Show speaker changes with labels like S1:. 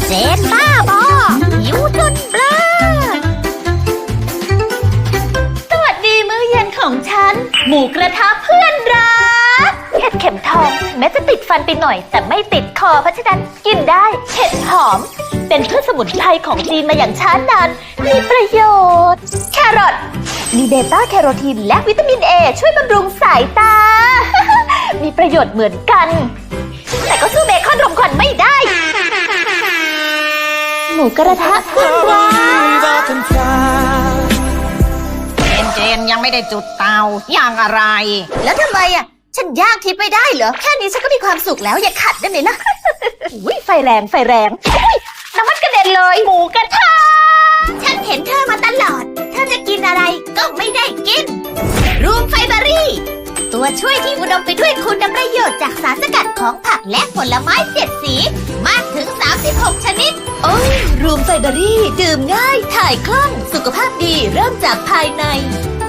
S1: เจนบ้าบอหิวจนเบลอสวัสดีมื้อเย็นของฉัน หมูกระทะเพื่อนรักเห็ดเข็มทองแม้จะติดฟันไปหน่อยแต่ไม่ติดคอเพราะฉะนั้นกินได้เห็ดหอมเป็นพืชสมุนไพรของจีนมาอย่างช้านานมีประโยชน์แครอทมีเบต้าแคโรทีนและวิตามินเอช่วยบำรุงสายตา มีประโยชน์เหมือนกันแต่ก็สู้เบคอนรมควันไม่ได้หมูกระทะเพื่อนรัก
S2: เจนยังไม่ได้จุดเตาย่างอะไร
S1: แล้วทำไมอ่ะฉันย่างทิพย์ไม่ได้เหรอแค่นี้ฉันก็มีความสุขแล้วอย่าขัดได้ไหมล่ะ อุ้ยไฟแรงอุ๊ยน้ำมันกระเด็นเลยหมูกระทะฉันเห็นเธอมาตลอดเธอจะกินอะไรก็ไม่ได้กินรูมไฟเบอรี่ตัวช่วยที่อุดมไปด้วยคุณประโยชน์จากสารสกัดของผักและผลไม้7สีมากถึง36ชนิดโอ้ยรูมไฟเบอรี่ดื่มง่ายถ่ายคล่องสุขภาพดีเริ่มจากภายใน